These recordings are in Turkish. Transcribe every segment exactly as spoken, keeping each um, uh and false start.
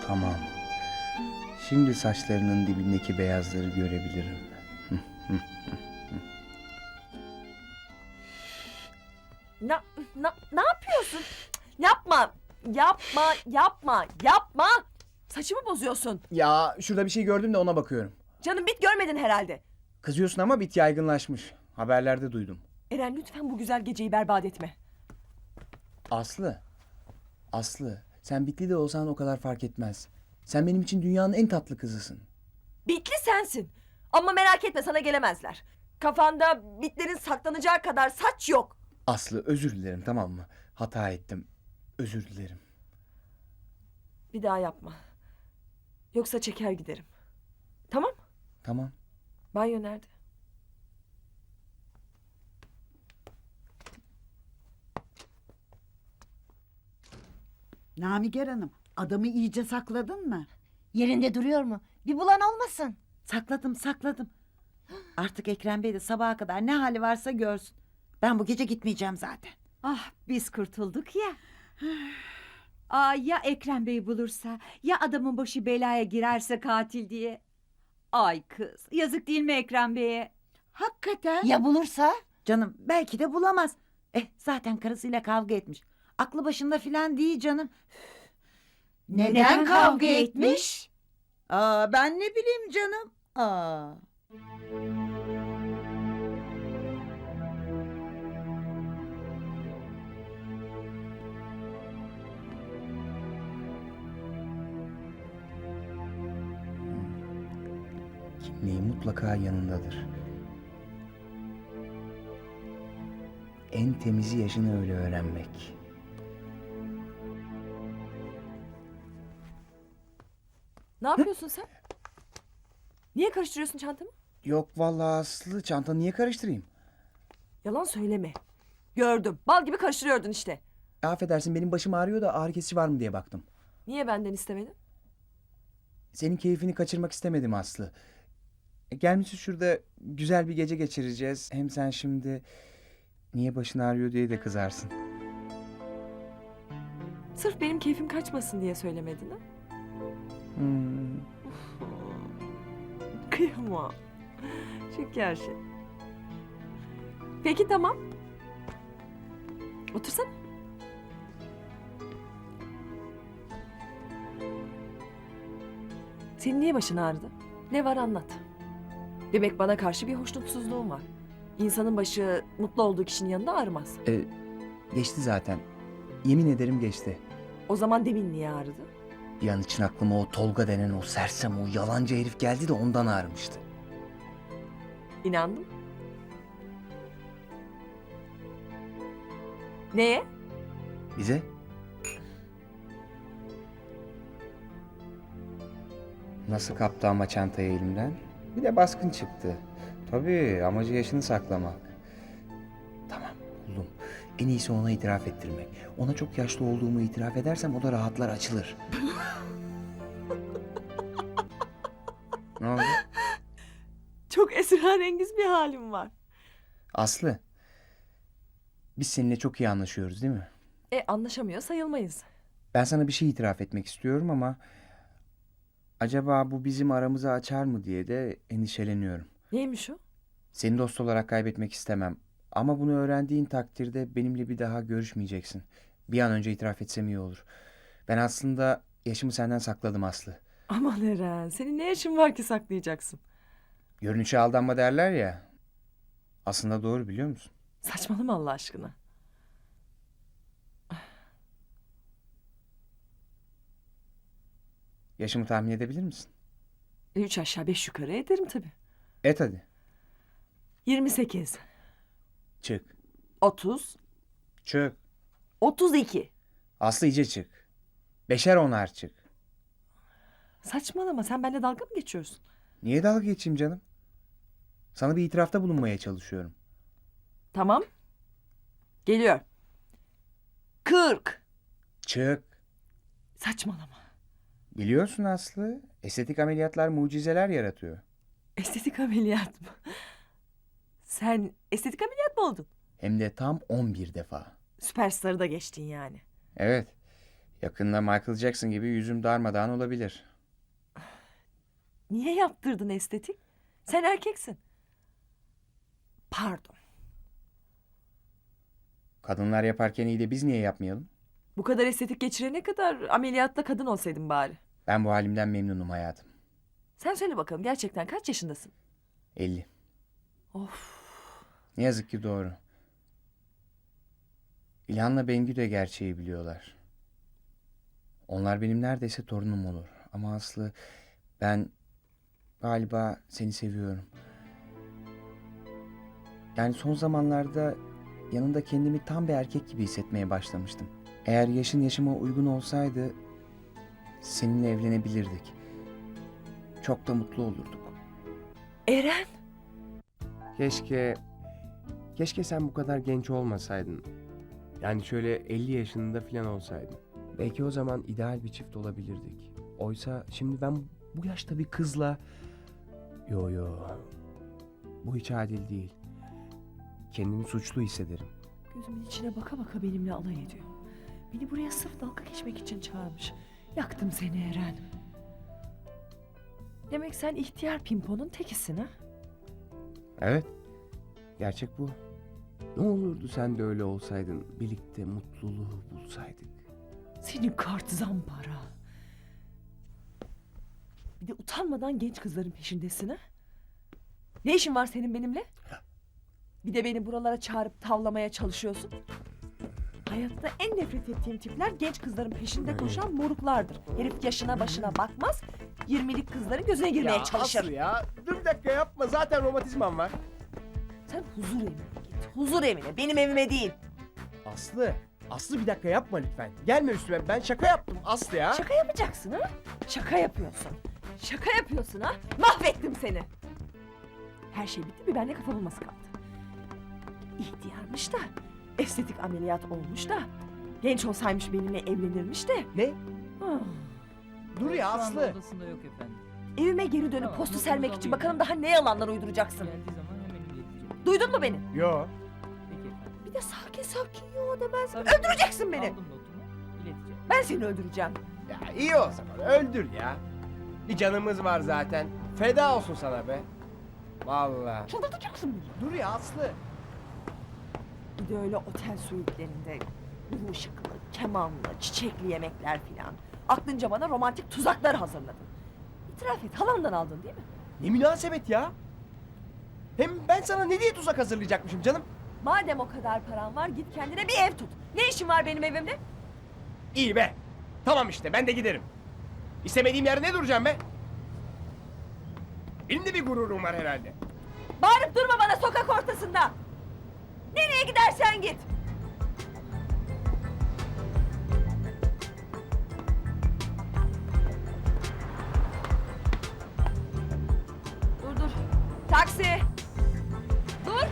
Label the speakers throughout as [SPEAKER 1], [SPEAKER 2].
[SPEAKER 1] Tamam. Şimdi saçlarının dibindeki beyazları görebilirim.
[SPEAKER 2] Na, na, ne yapıyorsun? Yapma, yapma, yapma, yapma. Saçımı bozuyorsun.
[SPEAKER 1] Ya şurada bir şey gördüm de ona bakıyorum.
[SPEAKER 2] Canım bit görmedin herhalde.
[SPEAKER 1] Kızıyorsun ama bit yaygınlaşmış. Haberlerde duydum.
[SPEAKER 2] Eren lütfen bu güzel geceyi berbat etme.
[SPEAKER 1] Aslı. Aslı. Sen bitli de olsan o kadar fark etmez. Sen benim için dünyanın en tatlı kızısın.
[SPEAKER 2] Bitli sensin. Ama merak etme sana gelemezler. Kafanda bitlerin saklanacağı kadar saç yok.
[SPEAKER 1] Aslı özür dilerim, tamam mı? Hata ettim. Özür dilerim.
[SPEAKER 2] Bir daha yapma. Yoksa çeker giderim. Tamam?
[SPEAKER 1] Tamam.
[SPEAKER 2] Banyo nerede?
[SPEAKER 3] Namiger Hanım, adamı iyice sakladın mı?
[SPEAKER 4] Yerinde duruyor mu? Bir bulan olmasın.
[SPEAKER 3] Sakladım, sakladım. Artık Ekrem Bey de sabaha kadar ne hali varsa görsün. Ben bu gece gitmeyeceğim zaten.
[SPEAKER 5] Ah biz kurtulduk ya. Aa, ya Ekrem Bey bulursa, ya adamın başı belaya girerse katil diye. Ay kız, yazık değil mi Ekrem Bey'e?
[SPEAKER 3] Hakikaten.
[SPEAKER 4] Ya bulursa?
[SPEAKER 3] Canım belki de bulamaz. Eh zaten karısıyla kavga etmiş. Aklı başında filan değil canım.
[SPEAKER 4] Neden kavga etmiş?
[SPEAKER 3] Aa, ben ne bileyim canım. Aa.
[SPEAKER 1] Kimliği mutlaka yanındadır. En temizi yaşını öyle öğrenmek.
[SPEAKER 2] Ne yapıyorsun sen? Niye karıştırıyorsun çantamı?
[SPEAKER 1] Yok vallahi Aslı, çantanı niye karıştırayım?
[SPEAKER 2] Yalan söyleme. Gördüm. Bal gibi karıştırıyordun işte.
[SPEAKER 1] Affedersin, benim başım ağrıyor da ağrı kesici var mı diye baktım.
[SPEAKER 2] Niye benden istemedin?
[SPEAKER 1] Senin keyfini kaçırmak istemedim Aslı. E, gelmişiz şurada güzel bir gece geçireceğiz. Hem sen şimdi niye başın ağrıyor diye de kızarsın.
[SPEAKER 2] Sırf benim keyfim kaçmasın diye söylemedin ha?
[SPEAKER 1] Hmm.
[SPEAKER 2] Kıyamam. Şeker şey. Peki tamam. Otursana. Senin niye başın ağrıdı? Ne var anlat. Demek bana karşı bir hoşnutsuzluğun var. İnsanın başı mutlu olduğu kişinin yanında ağrımaz.
[SPEAKER 1] E, geçti zaten. Yemin ederim geçti.
[SPEAKER 2] O zaman demin niye ağrıdı?
[SPEAKER 1] Bir an için aklıma o Tolga denen o sersem, o yalancı herif geldi de ondan ağrımıştı.
[SPEAKER 2] İnandım. Neye?
[SPEAKER 1] Bize? Nasıl kaptı ama çantayı elimden? Bir de baskın çıktı. Tabii amacı yaşını saklamak. Tamam, buldum. En iyisi ona itiraf ettirmek. Ona çok yaşlı olduğumu itiraf edersem o da rahatlar, açılır. Ne oldu?
[SPEAKER 2] Çok esrarengiz bir halim var.
[SPEAKER 1] Aslı. Biz seninle çok iyi anlaşıyoruz değil mi?
[SPEAKER 2] E anlaşamıyor sayılmayız.
[SPEAKER 1] Ben sana bir şey itiraf etmek istiyorum ama... acaba bu bizim aramızı açar mı diye de endişeleniyorum.
[SPEAKER 2] Neymiş o?
[SPEAKER 1] Seni dost olarak kaybetmek istemem. Ama bunu öğrendiğin takdirde benimle bir daha görüşmeyeceksin. Bir an önce itiraf etsem iyi olur. Ben aslında yaşımı senden sakladım Aslı.
[SPEAKER 2] Aman Eren, senin ne yaşın var ki saklayacaksın?
[SPEAKER 1] Görünüşe aldanma derler ya. Aslında doğru, biliyor musun?
[SPEAKER 2] Saçmalama Allah aşkına.
[SPEAKER 1] Yaşımı tahmin edebilir misin?
[SPEAKER 2] E, üç aşağı beş yukarı ederim tabii.
[SPEAKER 1] Et hadi.
[SPEAKER 2] Yirmi sekiz,
[SPEAKER 1] Çık.
[SPEAKER 2] otuz,
[SPEAKER 1] Çık.
[SPEAKER 2] otuz iki.
[SPEAKER 1] Aslı iyice çık. Beşer onar çık.
[SPEAKER 2] Saçmalama, sen benimle dalga mı geçiyorsun?
[SPEAKER 1] Niye dalga geçeyim canım? Sana bir itirafta bulunmaya çalışıyorum.
[SPEAKER 2] Tamam. Geliyor. Kırk.
[SPEAKER 1] Çık.
[SPEAKER 2] Saçmalama.
[SPEAKER 1] Biliyorsun Aslı, estetik ameliyatlar mucizeler yaratıyor.
[SPEAKER 2] Estetik ameliyat mı? Sen estetik ameliyat mı oldun?
[SPEAKER 1] Hem de tam on bir defa.
[SPEAKER 2] Süperstarı da geçtin yani.
[SPEAKER 1] Evet. Yakında Michael Jackson gibi yüzüm darmadağın olabilir.
[SPEAKER 2] Niye yaptırdın estetik? Sen erkeksin. Pardon.
[SPEAKER 1] Kadınlar yaparken iyi de biz niye yapmayalım?
[SPEAKER 2] Bu kadar estetik geçirene kadar ameliyatla kadın olsaydın bari.
[SPEAKER 1] Ben bu halimden memnunum hayatım.
[SPEAKER 2] Sen söyle bakalım gerçekten kaç yaşındasın?
[SPEAKER 1] elli.
[SPEAKER 2] Of.
[SPEAKER 1] Ne yazık ki doğru. İlhan'la Bengü de gerçeği biliyorlar. Onlar benim neredeyse torunum olur. Ama Aslı, ben galiba seni seviyorum. Yani son zamanlarda yanında kendimi tam bir erkek gibi hissetmeye başlamıştım. Eğer yaşın yaşıma uygun olsaydı seninle evlenebilirdik. Çok da mutlu olurduk.
[SPEAKER 2] Eren.
[SPEAKER 6] Keşke... Keşke sen bu kadar genç olmasaydın. Yani şöyle elli yaşında falan olsaydın. Belki o zaman ideal bir çift olabilirdik. Oysa şimdi ben bu yaşta bir kızla... Yo yo... Bu hiç adil değil. Kendimi suçlu hissederim.
[SPEAKER 2] Gözümün içine baka baka benimle alay ediyor. Beni buraya sırf dalga geçmek için çağırmış. Yaktım seni Eren. Demek sen ihtiyar pimponun tekisin ha?
[SPEAKER 6] Evet. Gerçek bu. Ne olurdu sen de öyle olsaydın. Birlikte mutluluğu bulsaydık.
[SPEAKER 2] Senin kart zampara. Bir de utanmadan genç kızların peşindesin ha? Ne işin var senin benimle? Bir de beni buralara çağırıp tavlamaya çalışıyorsun. Hayatta en nefret ettiğim tipler genç kızların peşinde koşan moruklardır. Herif yaşına başına bakmaz, yirmilik kızların gözüne girmeye çalışır.
[SPEAKER 6] Aslı ya. Dur bir dakika yapma. Zaten romatizmam var.
[SPEAKER 2] Sen huzur evine git, huzur evine, benim evime değil.
[SPEAKER 6] Aslı. Aslı bir dakika yapma lütfen. Gelme üstüme. Ben şaka yaptım Aslı ya.
[SPEAKER 2] Şaka yapacaksın ha? Şaka yapıyorsun. Şaka yapıyorsun ha? Mahvettim seni. Her şey bitti, bir benle kafa bulması kaldı. İhtiyarmış da, estetik ameliyat olmuş da, genç olsaymış benimle evlenirmiş de.
[SPEAKER 6] Ne?
[SPEAKER 2] Ah.
[SPEAKER 6] Dur ya
[SPEAKER 7] Şu anda
[SPEAKER 6] Aslı.
[SPEAKER 7] odasında yok efendim.
[SPEAKER 2] Evime geri dönüp
[SPEAKER 7] Tamam,
[SPEAKER 2] postu
[SPEAKER 7] bunu
[SPEAKER 2] sermek
[SPEAKER 7] buradan
[SPEAKER 2] için
[SPEAKER 7] duyuyorum.
[SPEAKER 2] bakalım daha ne yalanlar uyduracaksın.
[SPEAKER 7] Geldiği zaman hemen ileteceğim.
[SPEAKER 2] Duydun mu beni?
[SPEAKER 6] Yo.
[SPEAKER 7] Peki efendim.
[SPEAKER 2] Bir de sakin sakin yo demez.
[SPEAKER 7] Tabii.
[SPEAKER 2] Öldüreceksin beni.
[SPEAKER 7] Aldım notumu, ileteceğim.
[SPEAKER 2] Ben seni öldüreceğim.
[SPEAKER 6] Ya iyi o zaman. Öldür ya. Bir canımız var zaten. Feda olsun sana be. Vallahi.
[SPEAKER 2] Çıldırtacaksın beni.
[SPEAKER 6] Dur ya Aslı.
[SPEAKER 2] Bir de öyle otel suitlerinde bu ışıklı, kemanlı, çiçekli yemekler filan. Aklınca bana romantik tuzaklar hazırladın. İtiraf et, halandan aldın değil mi?
[SPEAKER 6] Ne münasebet ya. Hem ben sana ne diye tuzak hazırlayacakmışım canım?
[SPEAKER 2] Madem o kadar paran var git kendine bir ev tut. Ne işin var benim evimde?
[SPEAKER 6] İyi be. Tamam işte ben de giderim. İstemediğim yerde ne duracağım be? Benim de bir gururum var herhalde.
[SPEAKER 2] Bağırıp durma bana sokak ortasında. Nereye gidersen git. Dur dur. Taksi. Dur.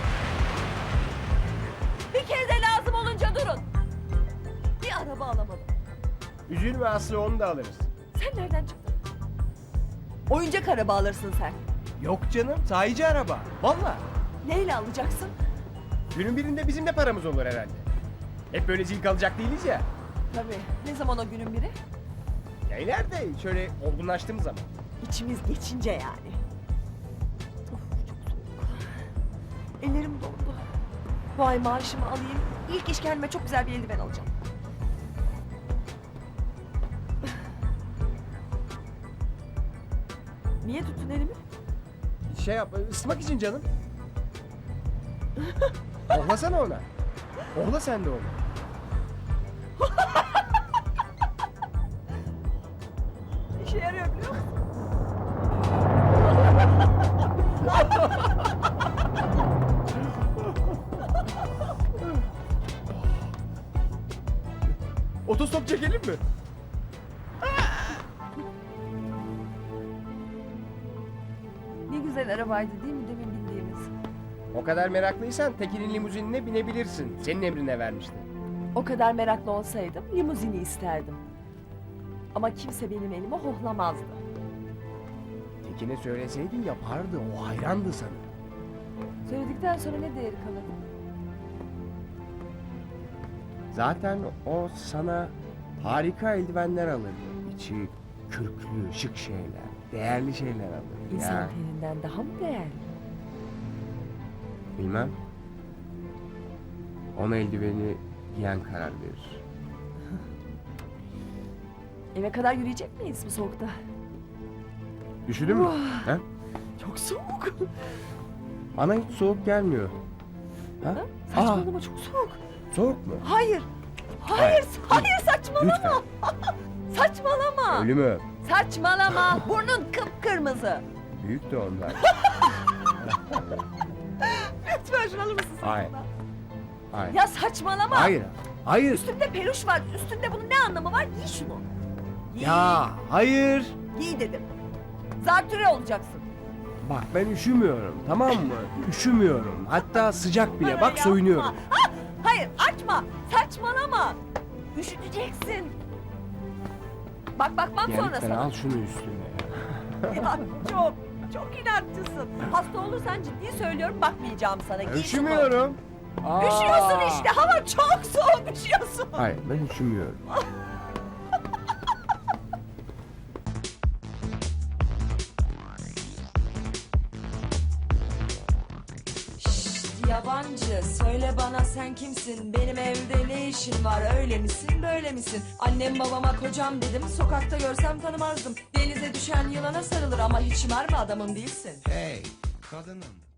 [SPEAKER 2] Bir kere de lazım olunca durun. Bir araba alamadım.
[SPEAKER 6] Üzülme Aslı onu da alırız.
[SPEAKER 2] Sen nereden çıktın? Oyuncak araba alırsın sen.
[SPEAKER 6] Yok canım sahici araba. Vallahi.
[SPEAKER 2] Neyle alacaksın?
[SPEAKER 6] Günün birinde bizim de paramız olur herhalde. Hep böyle zil kalacak değiliz ya.
[SPEAKER 2] Tabii. Ne zaman o günün biri?
[SPEAKER 6] Ya ileride şöyle olgunlaştığımız zaman.
[SPEAKER 2] İçimiz geçince yani. Of, çok soğuk. Ellerim dondu. Bu ay maaşımı alayım. İlk iş kendime çok güzel bir eldiven alacağım. Niye tuttun elimi?
[SPEAKER 6] Şey yap ısıtmak için canım. Ohlasana ona. Ohla sen de onu.
[SPEAKER 2] İşe yarıyor biliyor musun?
[SPEAKER 6] Otostop çekelim mi?
[SPEAKER 2] Ne güzel arabaydı değil mi demin bindiğimiz?
[SPEAKER 6] O kadar meraklıysan Tekin'in limuzinine binebilirsin. Senin emrine vermişti.
[SPEAKER 2] O kadar meraklı olsaydım limuzini isterdim. Ama kimse benim elime hohlamazdı.
[SPEAKER 6] Tekin'e söyleseydin yapardı. O hayrandı sana.
[SPEAKER 2] Söyledikten sonra ne değeri kalır?
[SPEAKER 6] Zaten o sana harika eldivenler alırdı. İçi kürklü, şık şeyler, değerli şeyler alırdı.
[SPEAKER 2] İnsan
[SPEAKER 6] Ya,
[SPEAKER 2] teninden daha mı değerli?
[SPEAKER 6] bilmem. Ona eldiveni giyen karar verir.
[SPEAKER 2] Eve kadar yürüyecek miyiz bu soğukta?
[SPEAKER 6] Üşüdün mü? Ha?
[SPEAKER 2] Çok soğuk.
[SPEAKER 6] Bana hiç soğuk gelmiyor. Ha?
[SPEAKER 2] Ha?
[SPEAKER 6] Aa,
[SPEAKER 2] Saçmalama çok soğuk.
[SPEAKER 6] soğuk mu?
[SPEAKER 2] Hayır. Hayır, hayır saçmalama.
[SPEAKER 6] Lütfen.
[SPEAKER 2] Saçmalama.
[SPEAKER 6] Ölü mü?
[SPEAKER 2] Saçmalama. Burnun kıpkırmızı.
[SPEAKER 6] Büyük de onlar.
[SPEAKER 2] Lütfen şunu alır mısın
[SPEAKER 6] Hayır.
[SPEAKER 2] saçmalama?
[SPEAKER 6] Hayır.
[SPEAKER 2] Ya saçmalama.
[SPEAKER 6] Hayır. Hayır.
[SPEAKER 2] Üstünde peluş var. Üstünde bunun ne anlamı var? Giy şunu. Giy.
[SPEAKER 6] Ya hayır.
[SPEAKER 2] Giy dedim. Zatürre olacaksın.
[SPEAKER 6] Bak ben üşümüyorum, tamam mı? Üşümüyorum. Hatta sıcak bile.
[SPEAKER 2] Bana
[SPEAKER 6] Bak
[SPEAKER 2] yapma.
[SPEAKER 6] soyunuyorum.
[SPEAKER 2] Ha, hayır açma. Saçmalama. Üşüteceksin. Bak bakmam
[SPEAKER 6] Ya
[SPEAKER 2] sonra
[SPEAKER 6] lütfen
[SPEAKER 2] sana.
[SPEAKER 6] al şunu üstüne ya.
[SPEAKER 2] Ya çok çok inatçısın. Hasta olursan ciddi söylüyorum bakmayacağım sana. Giy şunu.
[SPEAKER 6] Üşümüyorum. Aa.
[SPEAKER 2] Üşüyorsun işte. Hava çok soğuk üşüyorsun.
[SPEAKER 6] Hayır ben üşümüyorum.
[SPEAKER 8] Yabancı söyle bana sen kimsin, benim evde ne işin var, öyle misin böyle misin? Annem babama kocam dedim, sokakta görsem tanımazdım. Denize düşen yılana sarılır ama hiç mermi adamım değilsin.
[SPEAKER 1] Hey kadınım,